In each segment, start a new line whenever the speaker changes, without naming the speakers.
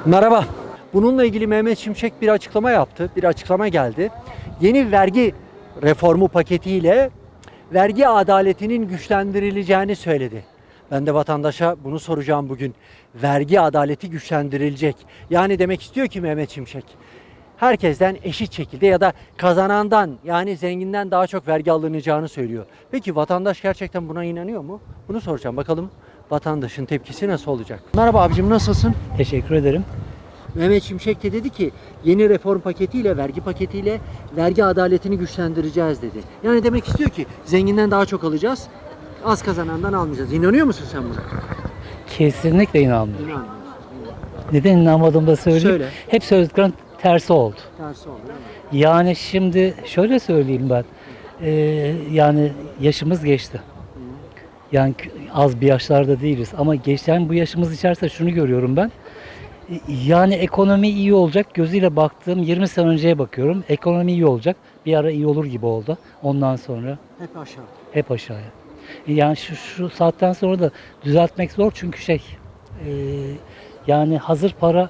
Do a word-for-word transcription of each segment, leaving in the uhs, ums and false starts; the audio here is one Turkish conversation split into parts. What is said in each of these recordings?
Merhaba. Bununla ilgili Mehmet Şimşek bir açıklama yaptı. Bir açıklama geldi. Yeni vergi reformu paketiyle vergi adaletinin güçlendirileceğini söyledi. Ben de vatandaşa bunu soracağım bugün. Vergi adaleti güçlendirilecek. Yani demek istiyor ki Mehmet Şimşek, herkesten eşit şekilde ya da kazanandan, yani zenginden daha çok vergi alınacağını söylüyor. Peki vatandaş gerçekten buna inanıyor mu? Bunu soracağım. Bakalım vatandaşın tepkisi nasıl olacak? Merhaba abicim, nasılsın?
Teşekkür ederim.
Mehmet Şimşek de dedi ki yeni reform paketiyle, vergi paketiyle vergi adaletini güçlendireceğiz dedi. Yani demek istiyor ki zenginden daha çok alacağız, az kazanandan almayacağız. İnanıyor musun sen buna?
Kesinlikle inanmıyorum.
İnanmıyorum.
Neden inanmadığımı da söyleyeyim.
Söyle.
Hep söylediklerin tersi oldu.
Tersi oldu değil mi?
Yani şimdi şöyle söyleyeyim ben. Ee, yani yaşımız geçti. Yani az bir yaşlarda değiliz. Ama geçen bu yaşımız içerisinde şunu görüyorum ben. Yani ekonomi iyi olacak. Gözüyle baktığım yirmi sene önceye bakıyorum. Ekonomi iyi olacak. Bir ara iyi olur gibi oldu. Ondan sonra
Hep aşağı.
hep aşağıya. Yani şu, şu saatten sonra da düzeltmek zor çünkü şey e, yani hazır para,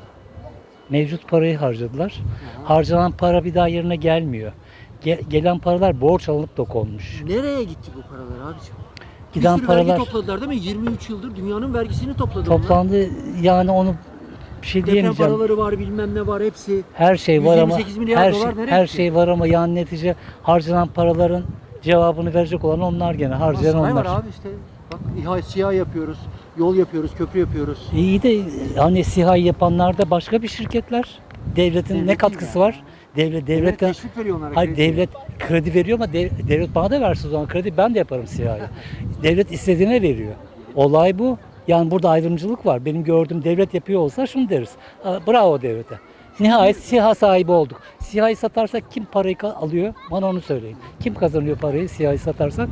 mevcut parayı harcadılar.
Aha.
Harcanan para bir daha yerine gelmiyor. Ge- gelen paralar borç alınıp da konmuş.
Nereye gitti bu paralar abiciğim?
Giden
bir sürü
paralar
vergi topladılar değil mi? yirmi üç yıldır dünyanın vergisini topladı
toplandı. Yani onu bir şey
onlar. Deprem
diyemeyeceğim.
paraları var, bilmem ne var, hepsi.
Her şey var ama
yüz yirmi sekiz milyar
her şey,
dolar nereye
her
gitti?
şey var ama yani netice harcanan paraların cevabını verecek olan onlar gene harcayan
Saray
onlar.
var abi işte. Bak İHA, SİHA yapıyoruz, yol yapıyoruz, köprü yapıyoruz.
İyi de hani SİHA yapanlar da başka bir şirketler. Devletin
Devlet
ne katkısı
değil
var? Devlet
Devlet
devletten
teşvik veriyor onlara.
hayır
kredi.
devlet kredi veriyor ama dev- devlet bana da versin o zaman kredi ben de yaparım SİHA'yı. Devlet istediğine veriyor. Olay bu. Yani burada ayrımcılık var. Benim gördüğüm devlet yapıyor olsa şunu deriz. Ha, bravo devlete. Nihayet SİHA sahibi olduk. SİHA'yı satarsak kim parayı ka- alıyor? Bana onu söyleyin. Kim kazanıyor parayı SİHA'yı satarsak?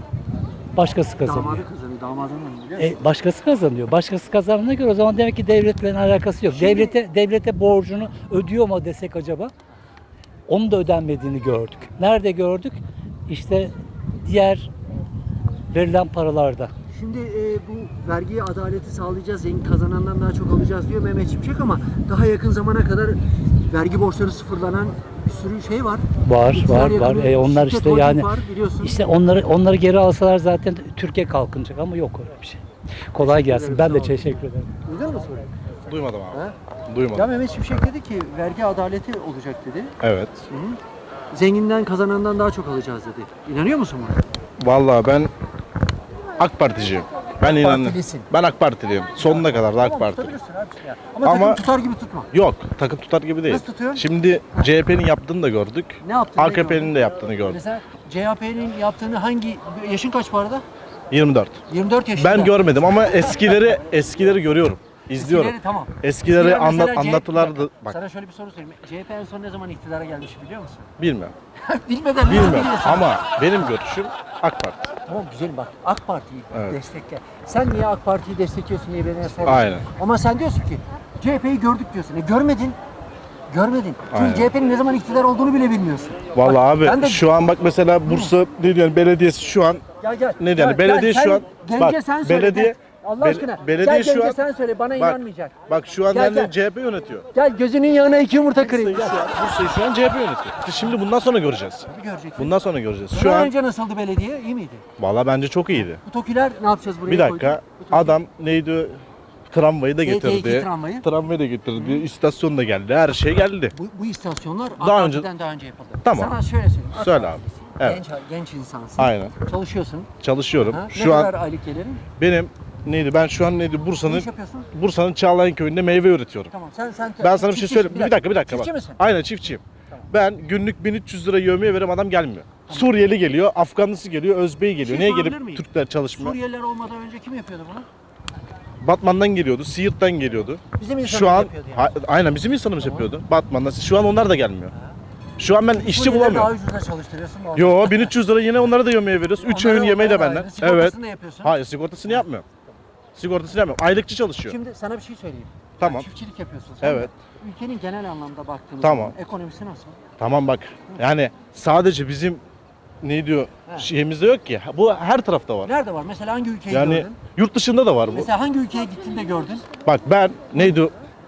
Başkası kazanıyor.
Damadı kazanıyor, damadın onu biliyor musun?
E, başkası kazanıyor. Başkası kazandığına göre o zaman demek ki devletle alakası yok.
Şimdi-
Devlete devlete borcunu ödüyor mu desek acaba? Onun da ödenmediğini gördük. Nerede gördük? İşte diğer verilen paralarda.
Şimdi e, bu vergi adaleti sağlayacağız, zengin kazanandan daha çok alacağız diyor Mehmet Şimşek ama daha yakın zamana kadar vergi borçları sıfırlanan bir sürü şey var.
Var,
İktidar
var, var.
yakını
E, onlar
şirket,
işte
holding
yani
var, biliyorsun.
işte onları onları geri alsalar zaten Türkiye kalkınacak ama yok öyle bir şey. Kolay
Teşekkür
gelsin.
ederim,
Ben
sağ
de
olun.
teşekkür ederim.
Duydun mu soruyu?
Duymadım abi.
Ha?
Duymadım.
Ya Mehmet Şimşek dedi ki vergi adaleti olacak dedi.
Evet.
Hı hı. Zenginden kazanandan daha çok alacağız dedi. İnanıyor musun buna?
Vallahi ben AK Particiyim. Ben inandım.
Partilisin.
Ben AK Partiliyim. Sonuna kadar da AK
Tamam,
Parti.
tutabilirsin abi ya. Ama,
Ama-
takım tutar gibi tutma.
Yok, takım tutar gibi değil.
Nasıl tutuyorsun?
Şimdi C H P'nin yaptığını da gördük.
Ne yaptın?
A K P'nin de yaptığını gördük.
Mesela C H P'nin yaptığını hangi, yaşın kaç bu arada?
yirmi dört.
yirmi dört yaşında.
Ben görmedim ama eskileri eskileri görüyorum. İzliyorum.
Eskileri tamam.
Eskileri
Eskiler mesela
anlat
C H P
anlatılardı. Bak
Sana şöyle bir soru sorayım. C H P en son ne zaman iktidara gelmiş biliyor musun?
bilmiyorum.
Bilmeden nasıl
Bilmiyorum
biliyorsun?
ama benim görüşüm AK Parti.
Tamam güzel bak, AK Parti'yi
Evet.
destekle. Sen niye AK Parti'yi destekliyorsun diye beni sorma.
Aynen.
Ama sen diyorsun ki C H P'yi gördük diyorsun. E görmedin. Görmedin. Çünkü
Aynen.
C H P'nin ne zaman iktidar olduğunu bile bilmiyorsun.
Vallahi
Bak,
abi
ben de-
şu an bak mesela Bursa ne diyor belediyesi şu an
Gel gel.
ne
Gel,
yani belediye
gel,
şu
sen
an
Gence
bak
sen söyle.
belediye
gel. Allah
bel-
aşkına.
belediye
gel
şu
Gence
an
sen söyle bana
bak,
inanmayacak.
Bak şu an
Gel,
yani
gel.
C H P yönetiyor.
Gel gözünün yanına iki yumurta kırayım.
Bursa'yı
Gel.
şu an, Bursa'yı şu an C H P yönetiyor. İşte şimdi bundan sonra göreceğiz.
Bir göreceksin.
Bundan sonra göreceğiz. Şu
Bundan
an
önce nasıldı belediye? İyi miydi?
valla bence çok iyiydi.
Bu TOKİ'ler ne yapacağız buraya?
Bir dakika.
koyduk? Bu TOKİ-
Adam neydi? Tramvayı da
T T iki
getirdi.
tramvayı.
Tramvayı da getirdi. İstasyon da geldi. Her şey geldi.
Bu, bu istasyonlar
Daha
daha
önce-
önce, daha önce yapıldı.
Tamam.
Sana şöyle söyleyeyim. AK
Söyle
Partilisin.
abi. Evet.
Genç, genç insansın.
Aynen.
Çalışıyorsun.
Çalışıyorum.
Ha?
Şu
ne
an
kadar aylık gelirin?
benim neydi? Ben şu an neydi?
Ne
Bursa'nın
iş yapıyorsun?
Bursa'nın Çağlayan köyünde meyve üretiyorum.
Tamam sen sen
Ben sana bir şey
çiftçi-
söyleyeyim. Bir dakika bir dakika
Çiftçi
bak.
misin?
Aynen çiftçiyim. Ben günlük bin üç yüz lira yevmiye veririm adam gelmiyor. Suriyeli geliyor, Afganlısı geliyor, Özbeği geliyor.
Şey
Niye
sorabilir
gelip
miyim?
Türkler çalışmıyor?
Suriyeliler olmadan önce kim yapıyordu bunu?
Batman'dan geliyordu, Siirt'ten geliyordu.
Bizim insanımız
Şu an
yapıyordu yani.
ha- aynen bizim insanımız yapıyordu. Batman'dan. Şu an onlar da gelmiyor. Şu an ben işçi
Suriyelileri daha
bulamıyorum.
ucuza çalıştırıyorsun. mu?
Yo bin üç yüz lira yine onlara da yemeğe veriyoruz. üç
Onlara-
öğün yemeği de
onlara da
benden.
ayrı. Sigortasını
Evet.
da yapıyorsun.
Hayır sigortasını yapmıyorum. Sigortasını yapmıyorum. Aylıkçı çalışıyor.
Şimdi sana bir şey söyleyeyim.
Tamam.
Sen çiftçilik yapıyorsun. Sen
Evet.
de ülkenin genel anlamda baktığımız
Tamam.
zaman ekonomisi nasıl?
Tamam bak. Yani sadece bizim ne diyor
He.
şeyimizde yok ki. Bu her tarafta var.
Nerede var? Mesela hangi ülkeyi
Yani
gördün?
yurt dışında da var bu.
Mesela hangi ülkeye gittin de gördün?
Bak ben neydi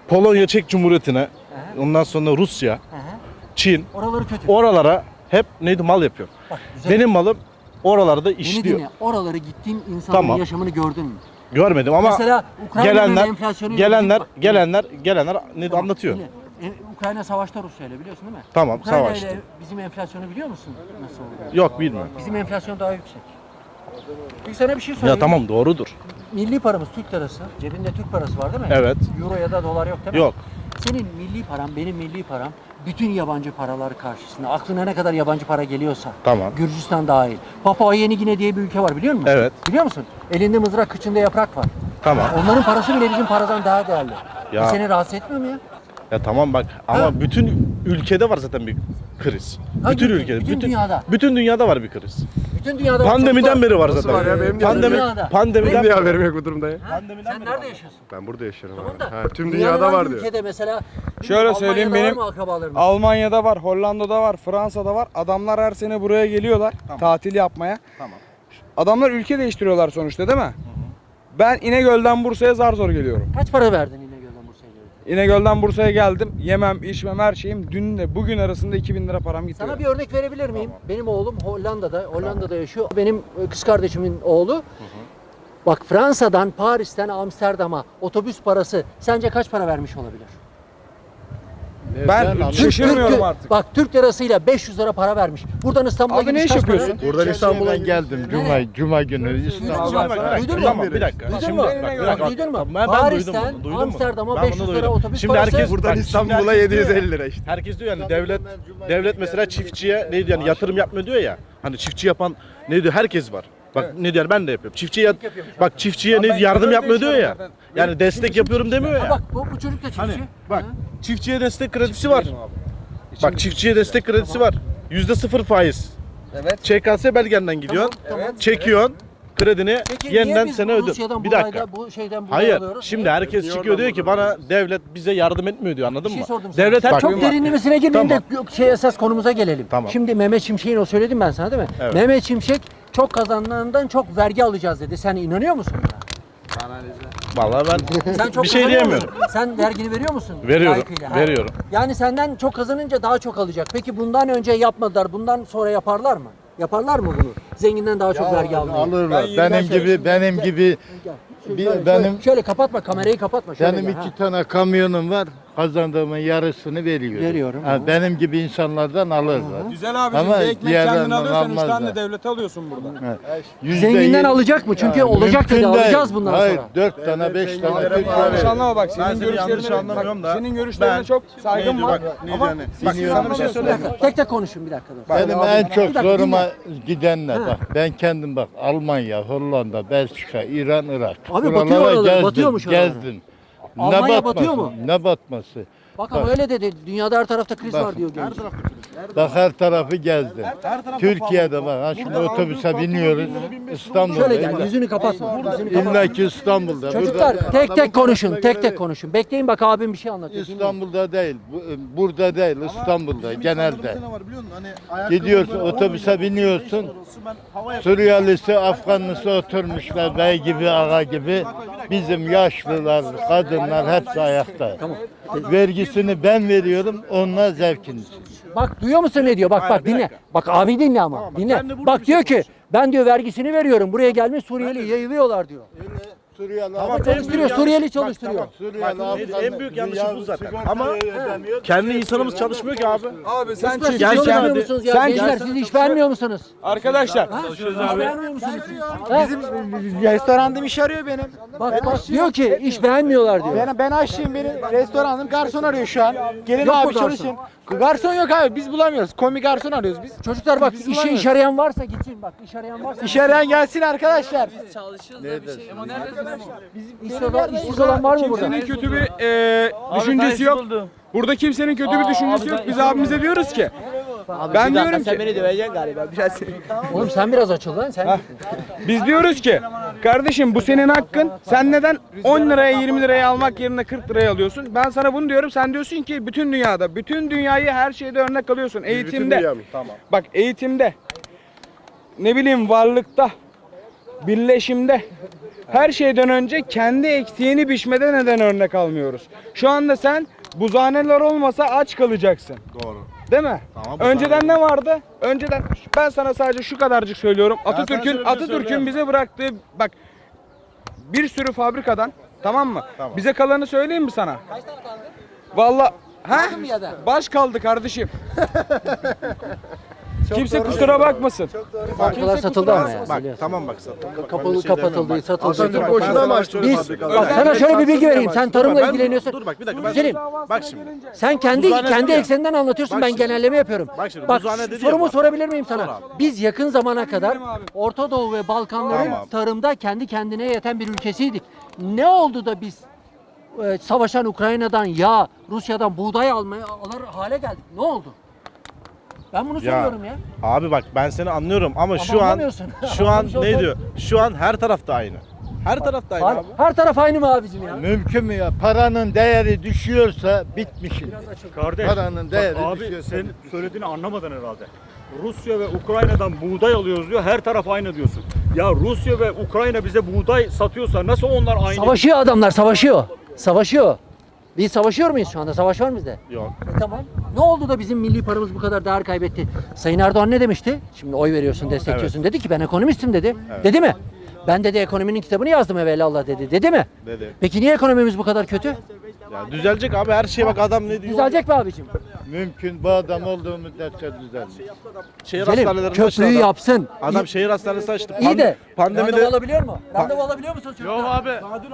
Polonya Çek Cumhuriyeti'ne, ondan sonra Rusya,
Aha.
Çin,
Oraları kötü.
oralara hep neydi mal yapıyor.
Bak, güzel.
Benim malım oralarda
Beni
işliyor.
dinle. Oraları gittiğin insanların
Tamam.
yaşamını gördün mü?
Görmedim ama
Mesela Ukrayna'nın
gelenler,
enflasyonu
gelenler,
Bak,
gelenler, gelenler ne
Tamam,
anlatıyor.
dinle. E, Ukrayna savaşta Rusya ile biliyorsun değil mi?
Tamam,
Ukrayna
savaştı.
ile bizim enflasyonu biliyor musun? Nasıl oldu?
Yok bilmiyorum.
Bizim enflasyon daha yüksek. Bir sana bir şey söyleyeyim.
Ya tamam doğrudur.
Milli paramız Türk lirası. Cebinde Türk parası var değil mi?
Evet.
Euro ya da dolar yok değil mi?
Yok.
Senin milli param, benim milli param bütün yabancı paralar karşısında. Aklına ne kadar yabancı para geliyorsa.
Tamam.
Gürcistan dahil. Papua Yeni Gine diye bir ülke var biliyor musun?
Evet.
Biliyor musun? Elinde mızrak, kıçında yaprak var.
Tamam.
Onların parası bile bizim paradan daha değerli.
Ya.
Bu seni rahatsız etmiyor mu ya?
Ya tamam bak ama
Ha.
bütün ülkede var zaten bir kriz.
Hangi
bütün
ülke?
ülkede,
Bütün
bütün
dünyada.
Bütün dünyada var bir kriz.
Bütün dünyada var,
Pandemiden
çocuklar-
beri var
Nasıl
zaten.
var ya? Benim de
Pandemi
Dünyada.
pandemiden
Benim de
beri.
haberim yok bu durumda ya.
Ha? Sen nerede yaşıyorsun?
Ben burada yaşıyorum
Tamam
abi.
da.
Ha, tüm
dünyanın
dünyada
hangi
var diyor.
ülkede mesela?
Şöyle söyleyeyim,
Almanya'da
benim
var mı akrabaların?
Almanya'da var, Hollanda'da var, Fransa'da var. Adamlar her sene buraya geliyorlar tatil yapmaya.
Tamam.
Adamlar ülke değiştiriyorlar sonuçta değil mi? Ben İnegöl'den Bursa'ya zar zor geliyorum.
Kaç para verdin İnegöl'den Bursa'ya gelirken?
İnegöl'den Bursa'ya geldim. Yemem, içmem, her şeyim dünle bugün arasında iki bin lira param gitti.
Sana bir örnek verebilir miyim? Benim oğlum Hollanda'da, Hollanda'da yaşıyor. Benim e, kız kardeşimin oğlu. Bak Fransa'dan, Paris'ten Amsterdam'a otobüs parası sence kaç para vermiş olabilir?
Ben şaşırmıyorum
Türk-
artık.
Bak Türk lirasıyla beş yüz lira para vermiş. Buradan İstanbul'a
Abi ne
gidiş
iş
kaç para?
yapıyorsun?
Buradan İstanbul'a
Ben geldim Cuma Cuma günü
Duydun mu
İstanbul'a.
bak? Duydun mu?
Tamam bir dakika.
Duydun
Şimdi
mu?
bak, bir dakika.
Duydun mu?
Tamam, Ben, ben duydum
Paris'ten
bunu. Duydun mu?
Amsterdam'a
Ben
beş
bunu
yüz lira
duydum.
otobüs
Şimdi
parası.
herkes
Buradan
bak, şimdi
İstanbul'a
herkes
yedi yüz
diyor ya,
elli lira işte.
Herkes diyor yani devlet devlet mesela çiftçiye ne diyor yani yatırım yapmıyor diyor ya. Hani çiftçi yapan ne diyor herkes var. Bak ne diyor ben de yapıyorum. Çiftçiye bak çiftçiye ne yardım yapmıyor diyor ya. Yani destek yapıyorum demiyor
Ha
ya.
bak bu, bu çocuk da çiftçi.
Hani bak
Ha?
çiftçiye destek kredisi var. Bak çiftçiye destek kredisi var. Yüzde sıfır faiz.
Evet.
Ç K S belgenden gidiyorsun.
Tamam, tamam.
Çekiyorsun. Kredini
Peki niye
yeniden
biz
sene ödün.
Rusya'dan
Bir
bu
dakika.
ayda bu şeyden buraya
Hayır.
alıyoruz?
Şimdi
Niye?
herkes
Niye
çıkıyor
oradan
diyor ki
buradan
bana devlet bize yardım etmiyor diyor. Anladın
Bir şey
mı?
sordum sana.
Devlet her
Çok
şeyi-
derinlemesine girmeyin de şey esas konumuza gelelim.
Tamam.
Şimdi Mehmet Şimşek'in o söyledim ben sana değil mi?
Evet.
Mehmet Şimşek çok kazandığından çok vergi alacağız dedi. Sen inanıyor musun buna?
Vallahi ben
Sen çok
bir şey
kazanıyor
diyemiyorum.
musun? Sen vergini veriyor musun?
Veriyorum,
Layıkıyla, ha?
veriyorum.
Yani senden çok kazanınca daha çok alacak. Peki bundan önce yapmadılar. Bundan sonra yaparlar mı? Yaparlar mı bunu? Zenginden daha çok vergi almayı.
Alırlar.
Ben
Benim
şöyle-
gibi benim
Gel.
gibi
Gel. Şöyle,
Bir-
şöyle,
benim-
şöyle kapatma kamerayı kapatma. Şöyle
benim
gel,
iki
ha.
tane kamyonum var. Kazandığımın yarısını veriyorum.
Veriyorum,
Ha,
ha.
benim gibi insanlardan alırlar.
Güzel abicim
Ama
bir ekmek
diğerlerinden
kendin alıyorsan üç tane
almazlar.
de devlete alıyorsun burada.
Ha, yüzde
Zenginden
yirmi-
alacak mı? Çünkü
Ha,
olacak dedi.
mümkün değil.
Alacağız bundan
Hayır,
sonra.
dört tane beş tane Türk
Yanlış
var.
anlama bak
Ben
senin
seni yanlış
görüşlerine
anlamıyorum
bak,
da.
senin görüşlerine
ben-
çok saygım
neydi
var.
bak, neydi
Ama
yani?
siz
Bak sana bir şey
anlamıyorsunuz.
Bir
söyleyeyim mi?
dakika, tek tek konuşun bir dakika. dur.
Benim
Abi,
en
bir
çok
dakika,
zoruma
dinle.
gidenler
Ha.
bak ben kendim bak Almanya, Hollanda, Belçika, İran, Irak.
Abi
Buralara
batıyor oralar,
gezdim,
batıyormuş oralara.
gezdim.
Almanya
ne batması?
batıyor mu?
Ne batması?
Bak ama öyle dedi. Dünyada her tarafta kriz
Bak.
var diyor genç.
Bak her tarafı gezdim. Türkiye'de bak ha şimdi otobüse biniyoruz İstanbul'da.
Şöyle gel.
İlla-
Yüzünü kapatma. Yüzünü kapatma.
İlla ki İstanbul'da.
Çocuklar
Burada-
tek tek konuşun. Tek tek konuşun. Bekleyin bak abim bir şey anlatıyor. Dinleyin.
İstanbul'da değil, bu- burada değil, İstanbul'da genelde. Gidiyorsun otobüse biniyorsun, Suriyelisi, Afganlısı oturmuşlar bey gibi, ağa gibi. Bizim yaşlılar, kadınlar hepsi ayakta. Vergisini ben veriyorum, onlar zevkini.
Bak duyuyor musun ne diyor? Bak
Hayır,
bak
bir
dinle.
dakika.
Bak abi dinle ama.
Tamam, bak,
dinle.
ben de burada
Bak
bir
diyor
şey
ki ben diyor vergisini veriyorum. Buraya gelmiş Suriyeli yayılıyorlar diyor.
Suriyeli,
Ama çalıştırıyor. Suriyeli çalıştırıyor.
Suriyeli,
Bak,
Afgan-
en büyük yanlışı bu zaten.
sigorta
Ama
ödemiyor.
kendi insanımız çalışmıyor ki abi.
Abi sen
Çocuklar, siz
Gel
çalışmıyor
hadi.
musunuz ya?
Sen
Gençler
gel.
siz iş vermiyor musunuz?
arkadaşlar
Ha? İş beğenmiyor musunuz? Ha?
Restoranım iş arıyor benim.
Bak bak diyor ki iş beğenmiyorlar diyor.
Ben, ben aşçıyım benim. Restoranım garson arıyor şu an. Gelin
Yok mu
abi
garson?
çalışın. Garson yok abi biz bulamıyoruz. Kombi garson arıyoruz biz.
Çocuklar bak
Biz
işe
bulamıyoruz.
iş arayan varsa gitsin bak iş arayan varsa.
İş arayan gelsin arkadaşlar.
İşsiz olan, işsiz olan var mı burada?
kimsenin kötü bir e, düşüncesi yok. Burada kimsenin kötü bir düşüncesi yok. Biz abimize diyoruz ki ben diyorum ki
döveceksin galiba biraz.
Oğlum sen biraz açıl lan sen.
biz diyoruz ki kardeşim bu senin hakkın. Sen neden on liraya yirmi liraya almak yerine kırk liraya alıyorsun? Ben sana bunu diyorum. Sen diyorsun ki bütün dünyada, bütün dünyayı her şeyde örnek alıyorsun. Eğitimde.
dünya mı? Tamam.
Bak eğitimde. Ne bileyim varlıkta. birleşimde. Her şeyden önce kendi eksiğini biçmede neden örnek almıyoruz? Şu anda sen buzhaneler olmasa aç kalacaksın.
Doğru.
Değil mi?
Tamam, bu
Önceden
sahne-
ne vardı? Önceden ben sana sadece şu kadarcık söylüyorum.
sana şöyle
Atatürk'ün
bir şey
Atatürk'ün
söyleyeyim.
bize bıraktığı bak bir sürü fabrikadan, tamam mı?
Tamam.
Bize kalanı söyleyeyim mi sana? Vallahi ha? Baş kaldı kardeşim. Kimse kusura bakmasın.
Fabrikalar satıldı ama ya.
Bak
biliyorsun.
tamam bak satıldı. Bak, ben
Kapalı,
bir şey
kapatıldı,
demiyorum. Bak,
satıldı.
Atatürk
Bak,
boşuna
ben-
mı açtırıyor
Biz,
fabrikaları?
bak sana şöyle bir bilgi vereyim. Sen tarımla
Ben-
ilgileniyorsun.
Dur bak bir dakika. Ben,
Güzelim.
bak şimdi.
Sen kendi
Buzhane
kendi
dedim ya.
ekseninden anlatıyorsun.
Bak
Ben
şimdi.
genelleme yapıyorum.
Bak şimdi,
Bak
buzhane dedi ya
sorumu
bak.
sorabilir miyim
Sor
sana?
abi.
Biz yakın zamana kadar Orta Doğu ve Balkanların
Tamam.
tarımda kendi kendine yeten bir ülkesiydik. Ne oldu da biz e, savaşan Ukrayna'dan yağ, Rusya'dan buğday almaya alır hale geldik? Ne oldu? Ben bunu soruyorum ya.
Abi bak ben seni anlıyorum ama,
Ama
şu an
anlamıyorsun.
şu an
Anlamış olsan-
ne diyor? Şu an her tarafta aynı. Her tarafta aynı
Her,
abi.
her taraf aynı mı abicim ya?
Mümkün mü ya? Paranın değeri düşüyorsa bitmişiz.
Kardeş,
Paranın değeri
bak abi
düşüyor.
sen söylediğini anlamadın herhalde. Rusya ve Ukrayna'dan buğday alıyoruz diyor, her taraf aynı diyorsun. Ya Rusya ve Ukrayna bize buğday satıyorsa nasıl onlar aynı?
Savaşıyor adamlar, savaşıyor. Savaşıyor. Biz savaşıyor muyuz şu anda? Savaş var mı bizde?
Yok.
E tamam. Ne oldu da bizim milli paramız bu kadar değer kaybetti? Sayın Erdoğan ne demişti? Şimdi oy veriyorsun, destekliyorsun. Dedi ki ben ekonomistim dedi. Dedi mi? Ben dedi ekonominin kitabını yazdım evvelallah dedi. Dedi mi?
Dedi.
Peki niye ekonomimiz bu kadar kötü?
Ya düzelecek abi her şeye bak adam ne diyor?
Düzelecek mi abicim?
Mümkün bu adam olduğu müddetçe düzelmiş.
Şehir
Güzelim,
hastanelerinde açtı
köprüyü
adam.
yapsın.
Adam
İyi-
şehir hastanesi açtı.
İyi de
pandemide
randevu alabiliyor mu? Randevu alabiliyor musun çocuklar?
abi.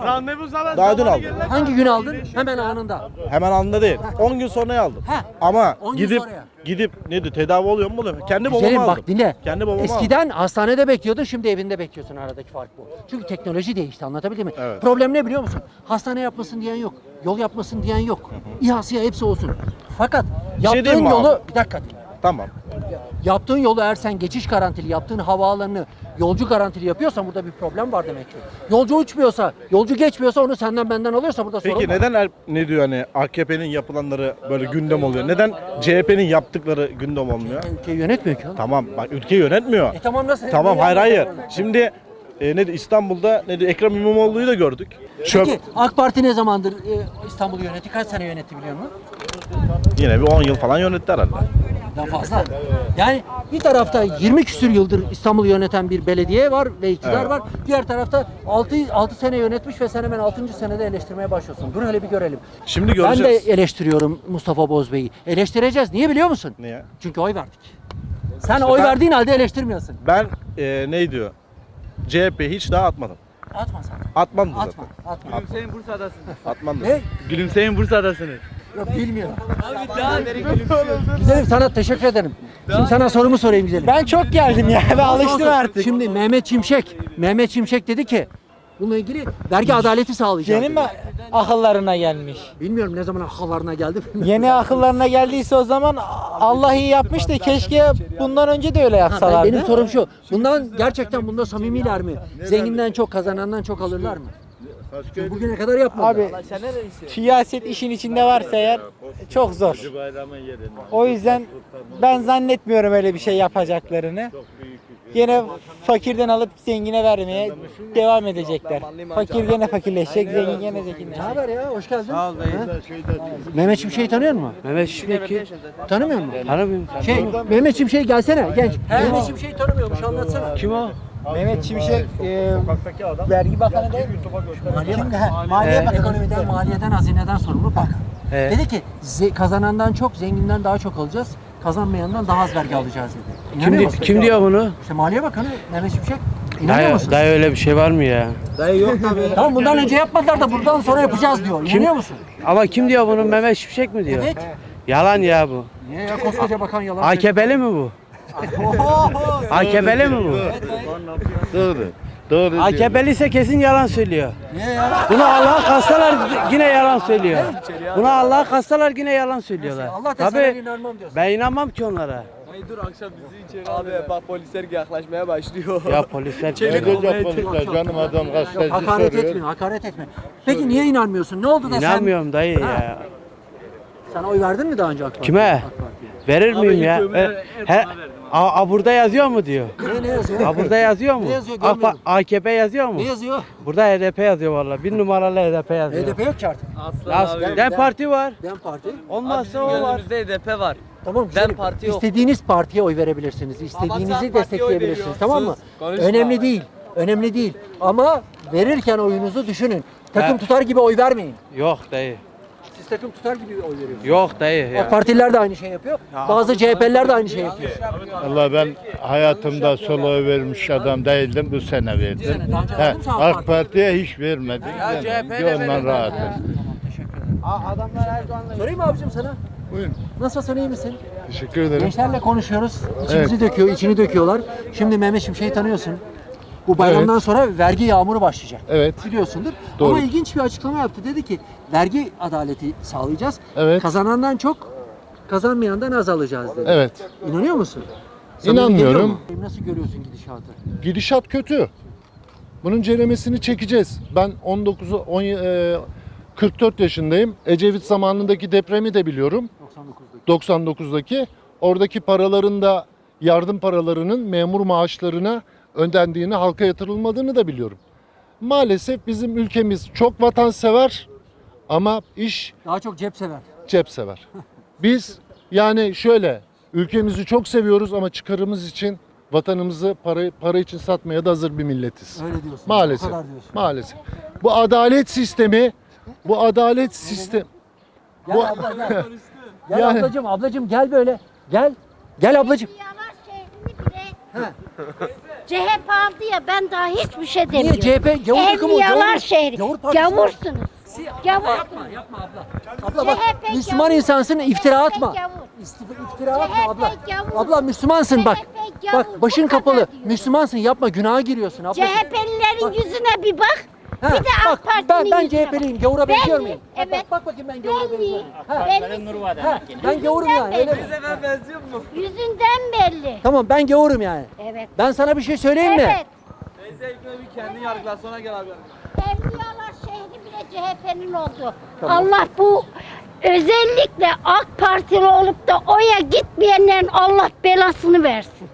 Daha dün aldım.
Hangi gün aldın? Hemen anında.
Hemen anında değil. on gün sonraya aldım.
Heh,
Ama
on gün
gidip
sonraya.
gidip ne diyor tedavi oluyor mu oluyor mu? Kendi babamı
Güzelim
aldım.
bak dinle.
Kendi babamı aldım.
Eskiden hastanede bekliyordun, şimdi evinde bekliyorsun, aradaki fark bu. Çünkü teknoloji değişti, anlatabildim mi?
Evet.
Problem ne biliyor musun? Hastane yapmasın diyen yok, yol yapmasın diyen yok. İHA'sı hepsi olsun. Fakat yaptığın
diyeyim mi
yolu,
abi?
bir dakika dinle.
Tamam.
Yaptığın yolu eğer sen geçiş garantili, yaptığın havaalanını yolcu garantili yapıyorsan burada bir problem var demek ki. Yolcu uçmuyorsa, yolcu geçmiyorsa onu senden benden alıyorsa burada sorun
Peki
var.
neden er- ne diyor hani A K P'nin yapılanları böyle gündem oluyor? Neden C H P'nin yaptıkları gündem olmuyor?
Ülkeyi yönetmiyor ki oğlum.
Tamam bak ülke yönetmiyor.
E tamam nasıl?
Tamam
Neyi
hayır hayır.
anlatıyorsun?
Şimdi e, ne diyor, İstanbul'da ne diyor, Ekrem İmamoğlu'yu da gördük. Çöp
Peki AK Parti ne zamandır e, İstanbul'u yönetti? Kaç sene yönetti biliyor musun?
yine bir on yıl falan yönetti herhalde.
Daha fazla. Yani bir tarafta yirmi küsür yıldır İstanbul'u yöneten bir belediye var ve iktidar
Evet.
var. Diğer tarafta altı, altı sene yönetmiş ve sen hemen altıncı senede eleştirmeye başlıyorsun. Dur hele bir görelim.
Şimdi
Ben de
göreceğiz.
eleştiriyorum Mustafa Bozbey'i. Eleştireceğiz. Niye biliyor musun?
Niye?
Çünkü oy verdik. Sen oy
ben-
verdiğin halde eleştirmiyorsun.
Ben e, ne diyor? C H P hiç daha atmadım.
Atma sen.
Atmam da
Atma.
zaten.
Atma.
Gülümseyin Bursa'dasınız.
Atmam da.
Ne?
Gülümseyin Bursa'dasınız.
Yok bilmiyorum. Güzelim sana teşekkür ederim. Şimdi sana sorumu sorayım güzelim.
Ben çok geldim ya. Ben alıştım artık.
Şimdi Mehmet Şimşek, Mehmet Şimşek dedi ki bununla ilgili vergi adaleti sağlayacağız.
Senin
dedi.
mi akıllarına gelmiş?
Bilmiyorum ne zaman akıllarına geldi.
Yeni akıllarına geldiyse o zaman Allah iyi yapmış da keşke bundan önce de öyle
Ha, ben-
yapsalardı.
benim sorum şu. Bundan gerçekten bunda samimiler mi? Zenginden çok kazanandan çok alırlar mı? Çünkü bugüne kadar yapmadılar.
Abi siyaset işin içinde varsa eğer çok zor. O yüzden ben zannetmiyorum öyle bir şey yapacaklarını. Yine fakirden alıp zengine vermeye devam edecekler. Fakir gene fakirleşecek, zengin gene
Ne
zenginleşecek.
haber ya? Hoş geldin. Sağ ol Mehmet Şimşek'i tanıyor musun?
Mehmet Şimşek'i
Tanımıyor musun?
tanımıyorum.
Şey, Mehmet Şimşek gelsene genç. Mehmet Şimşek'i tanımıyormuş anlatsana.
Kim o?
Mehmet Şimşek e, vergi bakanı değil mi?
Maliye Bakanı. Maliye Bakanı. Ekonomiden, maliyeden, hazineden sorumlu bakan.
He.
Dedi ki ze- kazanandan çok, zenginden daha çok alacağız. Kazanmayandan daha az vergi alacağız dedi. İnanıyor
Kim, di-
musun?
kim diyor bunu?
İşte Maliye Bakanı Mehmet Şimşek. İnanıyor
Dayı,
musun?
dayı öyle bir şey var mı ya?
Tamam bundan önce yapmadılar da buradan sonra yapacağız diyor. İnanıyor musun?
Ama kim diyor bunu? Mehmet Şimşek mi diyor?
Evet.
Yalan ya bu.
Niye ya koskoca bakan yalan
A K P'li mi bu? A K P'li mi bu?
Doğru. Doğru
A
diyor.
K P'li ise kesin yalan söylüyor.
Niye ya?
Bunu Allah'a kassalar yine yalan söylüyor. Buna Allah'a kassalar yine yalan söylüyorlar.
Allah teselli
Tabii
inanmam diyorsun.
ben inanmam ki onlara.
Abi bak polisler yaklaşmaya başlıyor.
Ya polisler
Ne diyecek polisler canım adam
Yok,
gazeteci
hakaret
soruyor.
etmiyor, hakaret etme. Peki niye inanmıyorsun? Ne oldu da sen...
İnanmıyorum dayı
Ha.
ya.
Sen oy verdin mi daha önce AK Parti'ye?
Kime?
AK Parti'ye.
Verir miyim ya? E, Her, A, a burada yazıyor mu diyor.
Ne, ne yazıyor?
A burada yazıyor mu?
Ne yazıyor,
A,
görmedim.
A K P yazıyor mu?
Ne yazıyor?
Burada H D P yazıyor vallahi. Bir numaralı H D P yazıyor.
H D P yok ki artık.
Nasıl?
Ben-
Dem
ben-
Parti var.
Dem Parti.
Olmazsa o var.
H D P var.
Tamam
Dem
güzelim.
Parti yok.
İstediğiniz partiye oy verebilirsiniz. İstediğinizi destekleyebilirsiniz. Tamam mı?
konuşma.
Önemli değil. Önemli değil. Ama verirken oyunuzu düşünün. Takım
Ha.
tutar gibi oy vermeyin.
Yok dayı.
Siz takım tutar gibi oy veriyorsunuz.
Yok dayı ya.
AK Partililer de aynı şey yapıyor. Bazı C H P'liler de aynı şey yapıyor.
Allah ben hayatımda sola oy vermiş adam değildim. Bu sene verdim. He, AK Parti'ye hiç vermedim.
Ya C H P'ye de
Ondan
verin.
rahatım.
Adamlar Erdoğan'la
Sorayım mı abicim sana?
Buyurun.
Nasılsın, iyi misin?
Teşekkür ederim.
Gençlerle konuşuyoruz. İçimizi döküyor, içini döküyorlar. Şimdi Mehmet Şimşek'i tanıyorsun. Bu bayramdan
Evet.
sonra vergi yağmuru başlayacak.
Evet.
Biliyorsundur.
Doğru.
Ama ilginç bir açıklama yaptı. Dedi ki vergi adaleti sağlayacağız.
Evet.
Kazanandan çok, kazanmayandan az alacağız dedi.
Evet.
İnanıyor musun? Sana
İnanmıyorum.
geliyor mu? Nasıl görüyorsun gidişatı?
Gidişat kötü. Bunun ceremesini çekeceğiz. Ben on dokuzu on e, kırk dört yaşındayım. Ecevit zamanındaki depremi de biliyorum.
doksan dokuzdaki.
doksan dokuzdaki. Oradaki paraların da yardım paralarının memur maaşlarına ödendiğini, halka yatırılmadığını da biliyorum. Maalesef bizim ülkemiz çok vatansever ama iş
Daha çok cep sever.
cep sever. Biz yani şöyle ülkemizi çok seviyoruz ama çıkarımız için vatanımızı para, para için satmaya da hazır bir milletiz.
Öyle diyorsun.
Maalesef.
O kadar diyorsun.
Maalesef. Bu adalet sistemi bu adalet sistem
Gel
Bu-
abla gel. Gel
Yani-
ablacığım, ablacığım gel böyle. Gel. Gel ablacığım.
Yalan şehrini bile C H P aldı ya, ben daha hiçbir şey demiyorum.
Niye C H P gavur takımı?
Evliyalar
Gavur-
şehri.
Gavur partisi.
Gavursunuz. Gavur.
Yapma, yapma abla. Abla bak,
C H P
Müslüman
gavur.
insansın, iftira
C H P
atma.
gavur.
İstif- İftira atma
C H P
abla.
gavur.
Abla Müslümansın bak.
C H P gavur.
Bak başın
Bu kadar
kapalı.
diyorum.
Müslümansın, yapma, günaha giriyorsun abla.
C H P'lilerin yüzüne bir bak.
Ha,
bir de AK
bak,
Parti'nin
ben, ben
yüzüne
C H P'liyim.
bak.
Gavura benziyor
Belli,
muyum?
Evet.
Bak, bak bakayım ben gavura
Belli.
benziyorum. Ha,
Belli.
ha, ben gavurum yani öyle mi?
Yüzünden belli.
Tamam ben gavurum yani.
Evet.
Ben sana bir şey söyleyeyim mi?
Evet. Evliyalar şehri bile C H P'nin oldu. Allah bu özellikle AK Partili olup da oya gitmeyenlerin Allah belasını versin.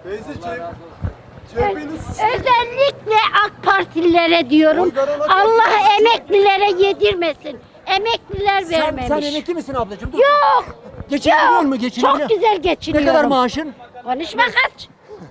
Özellikle AK Partililere diyorum. Allah emeklilere yedirmesin. Emekliler
Sen,
vermemiş.
sen emekli misin ablacığım? Dur.
Yok.
Geçinebiliyor
Yok.
musun? Geçinebiliyor
Çok güzel geçiniyorum.
Ne kadar maaşın?
Konuşma kaç.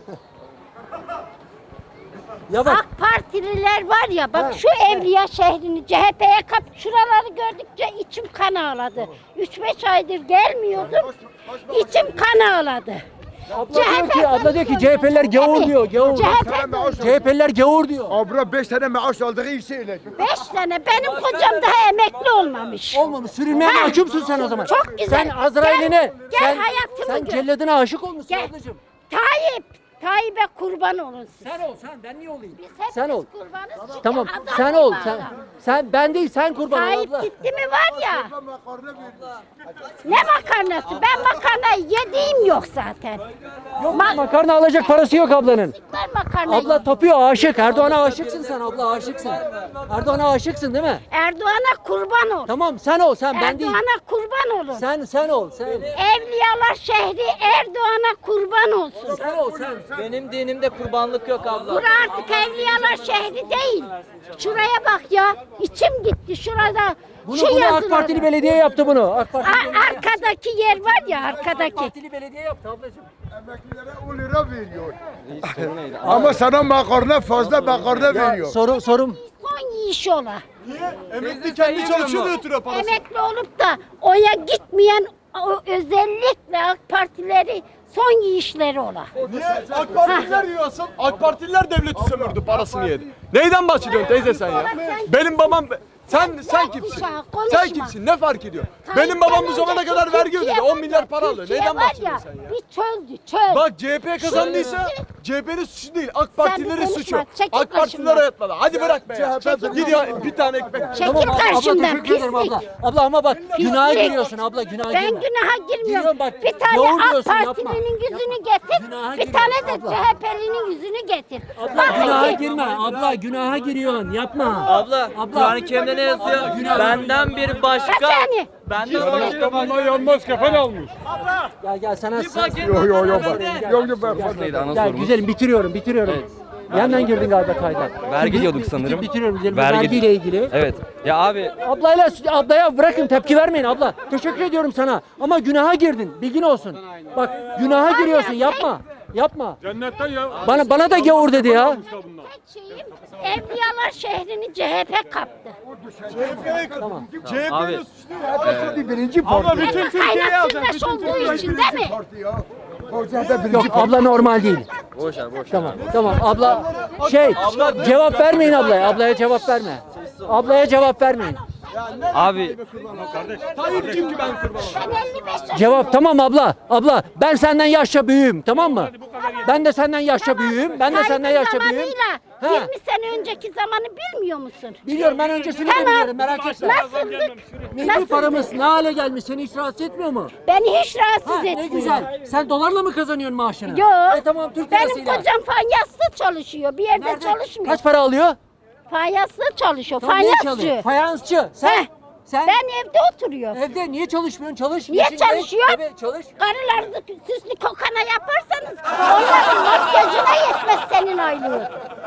Ya bak.
AK Partililer var ya bak
Ha.
şu Evliya şehrini C H P'ye kap şuraları gördükçe içim kan ağladı. üç beş aydır gelmiyordum. İçim kan ağladı.
Abla diyor ki, abla diyor ki C H P'liler gavur diyor, gavur.
C H P
C H P'liler gavur diyor.
Abra beş tane maaş aldığı iyi şeyler.
beş tane benim kocam daha emekli olmamış.
Olmamış. Sürünmeye
Ha.
mahkumsun sen o zaman.
Çok güzel.
Sen Azrail'ine,
Gel- gel
sen,
hayatımı
sen
gör.
celladına aşık olmuşsun
Gel.
ablacığım.
Tayyip, Tayyip'e kurban olun siz.
Sen ol, sen. Ben niye olayım?
Biz hepimiz
Sen ol.
kurbanız çünkü
Tamam,
adam
sen
gibi
ol.
adam.
Sen, sen ben değil, sen kurban ol
Tayyip
abla.
gitti mi var ya. Ne makarnası? Ben makarna yediğim yok zaten.
Yok makarna alacak parası yok ablanın.
Ben makarna
Abla tapıyor, aşık. Erdoğan'a aşıksın sen abla, aşıksın. Erdoğan'a aşıksın değil mi?
Erdoğan'a kurban ol.
Tamam, sen ol, sen ben değil.
Erdoğan'a kurban olun.
Sen, sen ol, sen.
Evliyalar şehri Erdoğan'a kurban olsun.
Sen ol, sen.
Benim dinimde kurbanlık yok abla.
Bura artık Evliyalar şehri değil. Şuraya bak ya. İçim gitti şurada.
Bunu,
şu
bunu AK
yazıları.
Partili belediye yaptı bunu. AK Partili,
A-
belediye,
arkadaki yer var ya
AK
arkadaki.
Partili belediye yaptı ablacığım.
Emeklilere on lira veriyor. Ama sana makarna fazla makarna veriyor.
Soru, sorum.
Son yiyiş ola.
Emekli kendi çalışıyor da götürüyor parası.
Emekli olup da oya gitmeyen o özellikle AK Partileri son yiyişleri ola.
Niye? AK Partililer yiyorsun. AK Partililer devleti sömürdü, parasını yedi. Neyden bahsediyorsun teyze sen ya? Benim babam sen sen kimsin?
Konuşma.
Sen kimsin? Ne fark ediyor?
Tayyip'ten
Benim babam bu zamana
önceki
kadar vergi
Türkiye
ödedi.
var
on milyar
ya,
para alıyor.
Türkiye
Neyden
var
bahsediyorsun sen ya?
Bir çöldü çöl.
Bak C H P kazandıysa C H P'nin suçu değil. AK Partilerin
konuşma,
suçu.
çekil
AK Partiler
karşımdan.
ayatmadı. Hadi bırak be ya.
Çekil
Git ya bir tane ekmek.
Çekil
abla,
karşımdan
teşekkür ederim
pislik.
abla. Abla ama bak günaha
Pislik.
giriyorsun abla, günaha
Ben
girme.
günaha girmiyorum.
Giriyorum bak,
Bir tane
gavur
AK
diyorsun, yapma.
Partili'nin yüzünü getir.
Günaha
Bir
giriyorsun
tane de
abla.
C H P'linin yüzünü getir.
Abla
Bak
günaha
bakayım.
girme. Abla günaha giriyorsun. Yapma.
Abla,
Abla.
Kur'an-ı Kerim'de ne yazıyor? Benden bir
Kaç
başka.
tane?
Benden başka.
Bunlar yanmaz kefen almış.
Gel gel sana.
paket
Yok yok yok.
Gel.
Yok yok ben
Gel güzelim bitiriyorum bitiriyorum. Yandan girdin galiba kayda.
Vergi diyorduk
Bitir-
sanırım.
Bitiriyorum güzelim.
Vergi-
Vergiyle ilgili.
Evet. Ya abi
Ablayla ablaya bırakın tepki vermeyin abla. Teşekkür ediyorum sana. Ama günaha girdin. Bilgin olsun. Bak günaha giriyorsun. Yapma. Yapma.
Cennetten ya.
Bana bana da gavur dedi ya.
Tek şeyim Evliyalar şehrini C H P kaptı.
Tamam.
abi
Ama bütün Türkiye'yi alacak.
Kaynasındaş olduğu için değil mi?
Yok abla normal değil.
boş ver boş ver.
Tamam. Tamam abla şey cevap vermeyin ablaya. Ablaya cevap verme. Ablaya cevap vermeyin.
Abi
Ben elli beş yaşındayım.
Cevap tamam abla. Abla ben senden yaşça büyüğüm tamam mı? Ben de senden yaşça büyüğüm. Ben de senden yaşça büyüğüm.
Zamanıyla
Ha.
yirmi sene önceki zamanı bilmiyor musun?
Biliyorum ben öncesini de
Tamam.
biliyorum merak etme.
Nasıldık?
Milli
Nasıldık?
paramız ne hale gelmiş seni hiç rahatsız etmiyor mu?
Beni hiç rahatsız
Ha,
etmiyor.
ne güzel. Sen dolarla mı kazanıyorsun maaşını?
Yok.
E, tamam Türk
Benim
lirasıyla.
kocam fayanslı çalışıyor. Bir yerde
Nerede?
çalışmıyor.
Kaç para alıyor?
Fayanslı çalışıyor.
Tamam, niye
Fayansçı.
çalıyor? Fayansçı. Sen?
Heh.
Sen?
Ben evde oturuyorum.
Evde niye çalışmıyorsun? Çalış.
Niye
Yaşın genç.
çalışıyor?
Evet çalış.
Karılarını süslü kokana yaparsanız onların makyajına yetmez senin aylığın.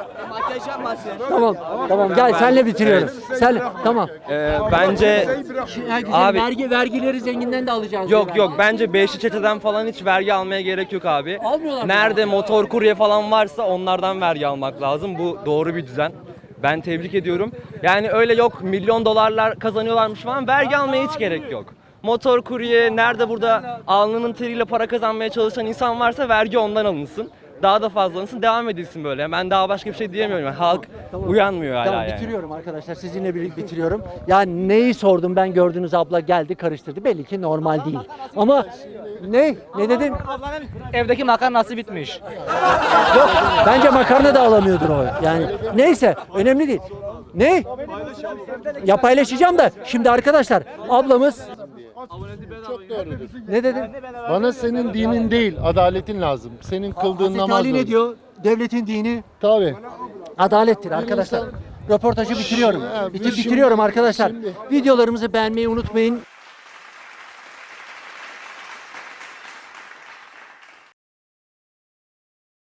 Tamam. Tamam gel senle bitiriyorum. Sen tamam.
e, bence
Herkesin
Abi-
vergi vergileri zenginden de alacağız.
yok yok bence beşli çeteden falan hiç vergi almaya gerek yok abi.
Almıyorlar mı?
Nerede motor kurye falan varsa onlardan vergi almak lazım. Bu doğru bir düzen. Ben tebrik ediyorum. Yani öyle yok milyon dolarlar kazanıyorlarmış falan vergi almaya hiç gerek yok. Motor kurye nerede burada alnının teriyle para kazanmaya çalışan insan varsa vergi ondan alınsın. Daha da fazla alınsın devam edilsin böyle. Ben daha başka bir şey diyemiyorum. Yani halk uyanmıyor hala
Tamam
yani.
bitiriyorum arkadaşlar. Sizinle birlikte bitiriyorum. Ya neyi sordum ben gördüğünüz abla geldi karıştırdı. Belli ki normal değil. Ama ne? Ne dedin?
Evdeki makarnası bitmiş.
Yok. Bence makarna da alamıyordur o. Yani neyse önemli değil. Ne? Ya paylaşacağım da şimdi arkadaşlar ablamız
Çok doğrudur.
ne dedin?
Bana senin dinin değil, adaletin lazım. Senin kıldığın
Hazreti
namaz
Ali ne
lazım.
diyor? Devletin dini
Tabii.
adalettir arkadaşlar. Röportajı bitiriyorum.
Ha,
Bitir,
şimdi-
bitiriyorum arkadaşlar.
şimdi-
Videolarımızı beğenmeyi unutmayın.